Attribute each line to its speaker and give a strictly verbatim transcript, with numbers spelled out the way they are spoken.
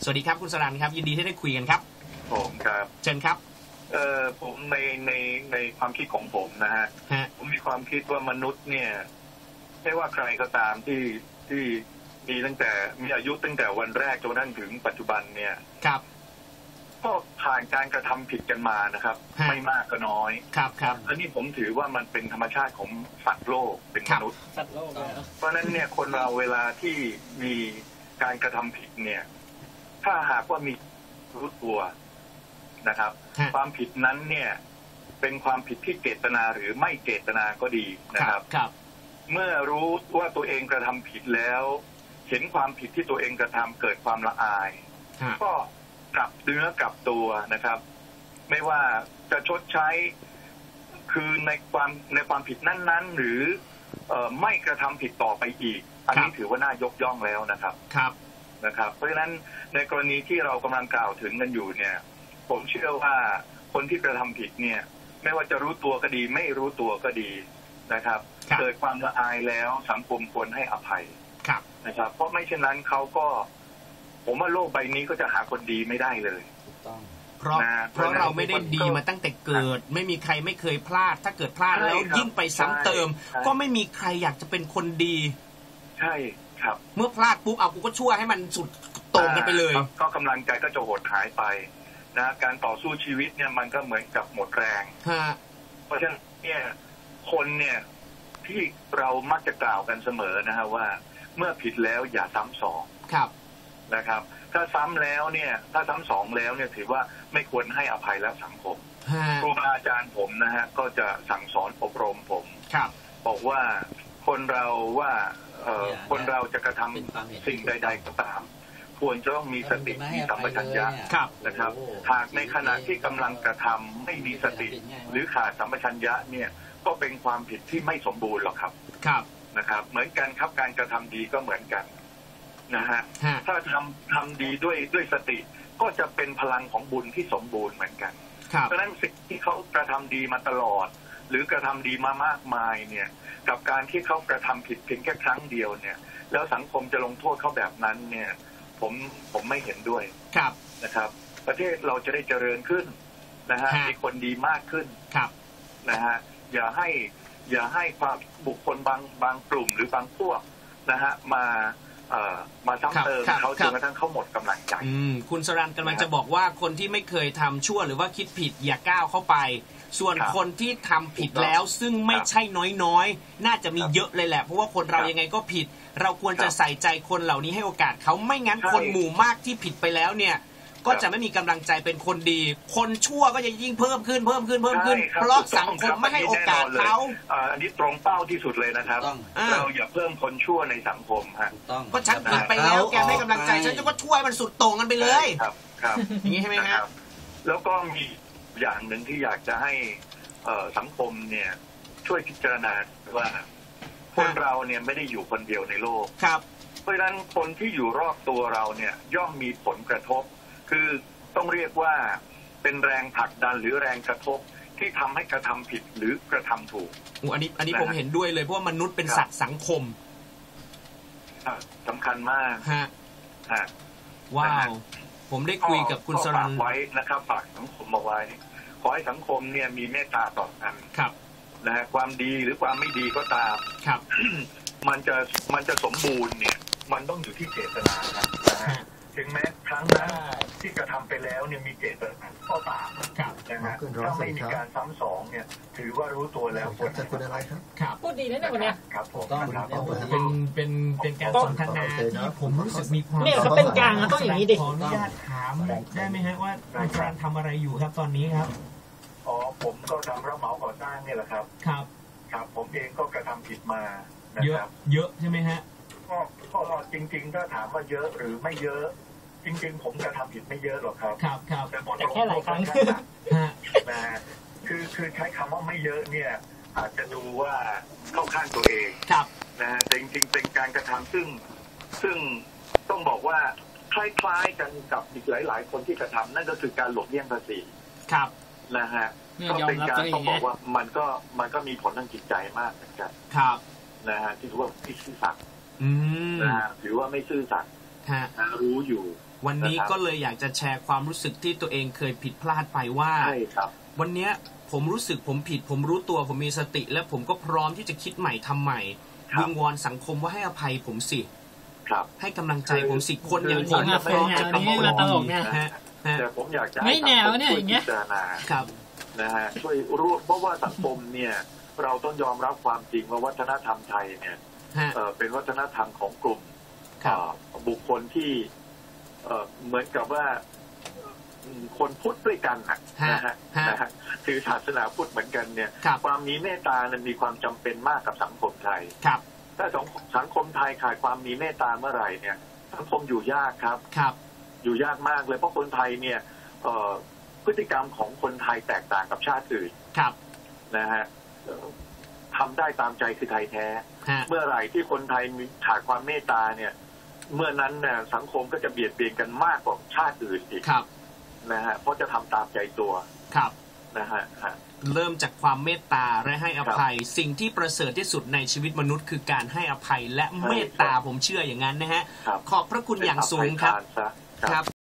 Speaker 1: สวัสดีครับคุณสรัญครับยินดีที่ได้คุยกันครับ
Speaker 2: ผมครับ
Speaker 1: เชิญครับ
Speaker 2: เอ่อผมในในในความคิดของผมนะฮะผมมีความคิดว่ามนุษย์เนี่ยไม่ว่าใครก็ตามที่ที่มีตั้งแต่มีอายุตั้งแต่วันแรกจนกระทั่งถึงปัจจุบันเนี่ย
Speaker 1: ครับ
Speaker 2: ก็ผ่านการกระทำผิดกันมานะครับไม่มากก็น้อย
Speaker 1: ครับครับ
Speaker 2: อันนี้ผมถือว่ามันเป็นธรรมชาติของสัตว์โลกเป็นมนุษย์
Speaker 3: สัตว์โลก
Speaker 2: เพราะนั้นเนี่ยคนเราเวลาที่มีการกระทำผิดเนี่ยถ้าหากว่ามีรู้ตัวนะครับความผิดนั้นเนี่ยเป็นความผิดที่เจตนาหรือไม่เจตนาก็ดีนะครับเมื่อรู้ว่าตัวเองกระทำผิดแล้วเห็นความผิดที่ตัวเองกระทำเกิดความละอายก็กลับเนื้อกลับตัวนะครับไม่ว่าจะชดใช้คือในความในความผิดนั้นๆหรือเอ่อไม่กระทำผิดต่อไปอีกอันนี้ถือว่าน่ายกย่องแล้วนะครับ
Speaker 1: ครับ
Speaker 2: นะครับเพราะฉะนั้นในกรณีที่เรากำลังกล่าวถึงกันอยู่เนี่ยผมเชื่อว่าคนที่กระทำผิดเนี่ยไม่ว่าจะรู้ตัวก็ดีไม่รู้ตัวก็ดีนะครับเกิดความละอายแล้วสังคมควรให้อภัยนะครับเพราะไม่เช่นนั้นเขาก็ผมว่าโลกใบนี้ก็จะหาคนดีไม่ได้เลย
Speaker 3: ถูกต้อง
Speaker 1: เพราะเพราะเราไม่ได้ดีมาตั้งแต่เกิดไม่มีใครไม่เคยพลาดถ้าเกิดพลาดแล้วยิ่งไปซ้ำเติมก็ไม่มีใครอยากจะเป็นคนดี
Speaker 2: ใช่ครับ
Speaker 1: เมื่อพลาดปุ๊บเอากูก็ชั่วให้มันสุดโต่งกันไปเลย
Speaker 2: ก็กำลังใจก็จะหดหายไปนะการต่อสู้ชีวิตเนี่ยมันก็เหมือนกับหมดแรงเพราะฉะนั้นเนี่ยคนเนี่ยที่เรามักจะกล่าวกันเสมอนะฮะว่าเมื่อผิดแล้วอย่าซ้ำสอง
Speaker 1: ครับ
Speaker 2: นะครับถ้าซ้ำแล้วเนี่ยถ้าซ้ำสองแล้วเนี่ยถือว่าไม่ควรให้อภัยแล้วสังคมครูบาอาจารย์ผมนะฮะก็จะสั่งสอนอบรมผมบอกว่าคนเราว่าคนเราจะกระทำสิ่งใดๆก็ตามควรจะต้องมีสติมีสัมปชัญญะนะครับหากในขณะที่กำลังกระทำไม่มีสติหรือขาดสัมปชัญญะเนี่ยก็เป็นความผิดที่ไม่สมบูรณ์หรอกครับ
Speaker 1: ครับ
Speaker 2: นะครับเหมือนกันครับการกระทำดีก็เหมือนกันนะฮะถ้าทำทำดีด้วยด้วยสติก็จะเป็นพลังของบุญที่สมบูรณ์เหมือนกันเพราะฉะนั้นสิ่งที่เขากระทำดีมาตลอดหรือกระทำดีมามากมายเนี่ยกับการที่เขากระทำผิดเพียงแค่ครั้งเดียวเนี่ยแล้วสังคมจะลงโทษเขาแบบนั้นเนี่ยผมผมไม่เห็นด้วยนะครับประเทศเราจะได้เจริญขึ้นนะฮะมีคนดีมากขึ้นนะฮะอย่าให้อย่าให้ความบุคคลบางบางกลุ่มหรือบางพวกนะฮะมาเอ่อมาซ้ำเติมเขาจนกระทั่งเขาหมดกำลังใจ
Speaker 1: คุณสรัญกำลังจะบอกว่าคนที่ไม่เคยทำชั่วหรือว่าคิดผิดอย่าก้าวเข้าไปส่วนคนที่ทำผิดแล้วซึ่งไม่ใช่น้อยๆน่าจะมีเยอะเลยแหละเพราะว่าคนเรายังไงก็ผิดเราควรจะใส่ใจคนเหล่านี้ให้โอกาสเขาไม่งั้นคนหมู่มากที่ผิดไปแล้วเนี่ยก็จะไม่มีกำลังใจเป็นคนดีคนชั่วก็จะยิ่งเพิ่มขึ้นเพิ่มขึ้นเพิ่มขึ้นเพราะสังคมไม่ให้โอกาสเขา
Speaker 2: อันนี้ตรงเป้าที่สุดเลยนะครับเราอย่าเพิ่มคนชั่วในสังคมฮะ
Speaker 1: ก็ฉันผิดไปแล้วแกให้กำลังใจฉันจะก็ช่วยมันสุดโต่งกันไปเลย
Speaker 2: ครับครับ
Speaker 1: อย่างนี้ใช่ไหมครับ
Speaker 2: แล้วก็มีอย่างหนึ่งที่อยากจะให้สังคมเนี่ยช่วยพิจารณาว่าคนเราเนี่ยไม่ได้อยู่คนเดียวในโลกเพราะฉะนั้นคนที่อยู่รอบตัวเราเนี่ยย่อมมีผลกระทบคือต้องเรียกว่าเป็นแรงผลักดันหรือแรงกระทบที่ทำให้กระทำผิดหรือกระทำถูก
Speaker 1: อันนี้อันนี้ผมเห็นด้วยเลยเพราะว่ามนุษย์เป็นสัตว์สังคม
Speaker 2: สำคัญมาก
Speaker 1: ฮะว้าวผมได้คุยกับคุณสรัญ
Speaker 2: ไว้นะครับฝากสังคมเอาไว้ขอให้สังคมเนี่ยมีเมตตาต่อกันนะฮะความดีหรือความไม่ดีก็ตาม
Speaker 1: ครับ
Speaker 2: มันจะมันจะสมบูรณ์เนี่ยมันต้องอยู่ที่เจตนานะฮะถึงแม้ครั้งนั้นที่กระทำไปแล้วเนี่ยมีเจตนาก็ตามนะฮะถ้าไม่มีการซ้ำสองเนี่ยถือว่ารู้ตัวแล้วควร
Speaker 4: จะคุณอะไรครับ
Speaker 1: ครับ
Speaker 3: พูดดีนะเนี่ยวันนี้
Speaker 2: ครับผม
Speaker 1: เป็นเป็นเป็นการสนทนาที่ผมรู้สึกมีความ
Speaker 3: เนี่ยเขาเป็นกลางต้องอย่างนี้ดิ
Speaker 1: ขออนุญาตถามได้ไหมฮะว่าอาจารย์ทำอะไรอยู่ครับตอนนี้ครับ
Speaker 2: อ๋อผมก็ทำรับเหมาก่อสร้างนี่แหละครับ
Speaker 1: ครับ
Speaker 2: ครับผมเองก็กระทำผิดมา
Speaker 1: เยอะเยอะใช่ไหมฮะ
Speaker 2: ก็ก็จริงๆถ้าถามว่าเยอะหรือไม่เยอะจริงๆผมกระทำผิดไม่เยอะหรอกครับ
Speaker 1: ครับครับ
Speaker 3: แต่แค่หลายครั้ง
Speaker 2: นะคือคือใช้คำว่าไม่เยอะเนี่ยอาจจะดูว่าเข้าข้างตัวเอง
Speaker 1: ครับ
Speaker 2: นะแต่จริงๆเป็นการกระทำซึ่งซึ่งต้องบอกว่าคล้ายๆกันกับอีกหลายๆคนที่กระทำนั่นก็คือการหลบเลี่ยงภาษี
Speaker 1: ครับ
Speaker 2: นะฮะก็เป็นการต้องบอกว่ามันก็มันก็มีผลทางจิตใจมากเหมือนกัน
Speaker 1: ครับ
Speaker 2: นะฮะที่ถือว่าไม่ซื่อสัตย์นะฮะถือว่าไม่ซื่อสัตย์รู้อยู่
Speaker 1: วันนี้ก็เลยอยากจะแชร์ความรู้สึกที่ตัวเองเคยผิดพลาดไปว่า
Speaker 2: ใช่ครับ
Speaker 1: วันนี้ผมรู้สึกผมผิดผมรู้ตัวผมมีสติและผมก็พร้อมที่จะคิดใหม่ทำใหม่วิงวอนสังคมว่าให้อภัยผมสิให้กำลังใจผมสิคนอย่างผม
Speaker 3: พร้อมจะทำให้มันตลกเนี่ย
Speaker 2: แต่ผมอยากจะให้สังคมช่วยพิจารณานะฮะช่วยรู้เพราะว่าสังคมเนี่ยเราต้องยอมรับความจริงว่าวัฒนธรรมไทยเนี่ยเป็นวัฒนธรรมของกลุ่มบุคคลที่เหมือนกับว่าคนพุทธด้วยกันนะฮะถือศาสนาพุทธเหมือนกันเนี่ยความมีเมตตานั้นมีความจำเป็นมากกับสังคมไทยถ้าสังคมไทยขาดความมีเมตตาเมื่อไหร่เนี่ยสังคมอยู่ยากครับอยู่ยากมากเลยเพราะคนไทยเนี่ยพฤติกรรมของคนไทยแตกต่างกับชาติอื่นนะฮะทำได้ตามใจคือไทยแท้เมื่อไหร่ที่คนไทยมีขาดความเมตตาเนี่ยเมื่อนั้นเนี่ยสังคมก็จะเบียดเบียนกันมากกว่าชาติอื่นอีกนะฮะเพราะจะทำตามใจตัวนะฮะ
Speaker 1: เริ่มจากความเมตตาและให้อภัยสิ่งที่ประเสริฐที่สุดในชีวิตมนุษย์คือการให้อภัยและเมตตาผมเชื่ออย่างนั้นนะฮะขอบพระคุณอย่างสูงครับ